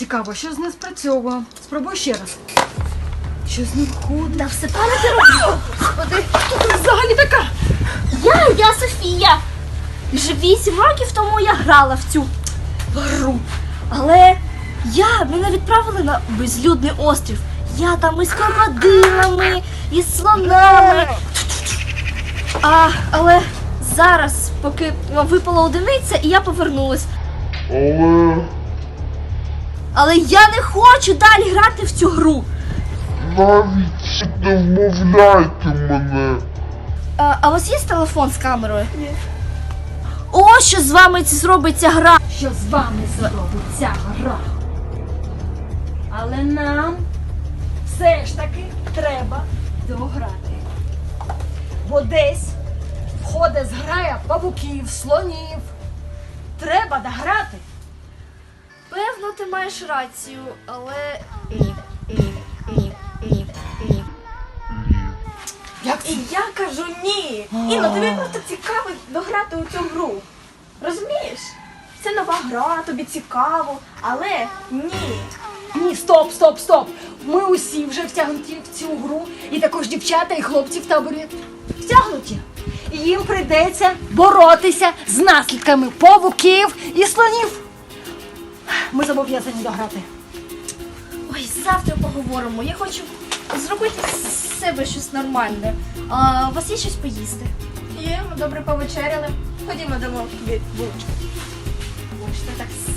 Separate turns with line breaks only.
Цікаво, що з не спрацьовує. Спробуй ще раз. Що з ним ходить?
Та все правильно ти робиш. Господи,
Хто ти взагалі така?
я Софія. Вже 8 років тому я грала в цю гру. Але мене відправили на безлюдний острів. Я там із крокодилами, із слонами. Але зараз, поки випала одиниця, і я повернулась. Але я не хочу далі грати в цю гру.
Навіть не вмовляйте мене.
А у вас є телефон з камерою? Ні. Ось що з вами зробить ця гра.
Що з вами зробить ця гра? Але нам все ж таки треба дограти. Бо десь входить зграя павуків, слонів. Треба дограти.
Певно, ти маєш рацію, але ні.
Як це?
І я кажу ні. Інно, тобі просто цікаво дограти у цю гру. Розумієш? Це нова гра, тобі цікаво, але ні.
Ні, стоп. Ми усі вже втягнуті в цю гру. І також дівчата і хлопці в таборі втягнуті. І їм прийдеться боротися з наслідками павуків і слонів. Ми зобов'язані дограти.
Ой, завтра поговоримо. Я хочу зробити з себе щось нормальне. А у вас є щось поїсти?
Є, ми добре повечеряли. Ходімо, дамо тобі булочку.
Ой, що так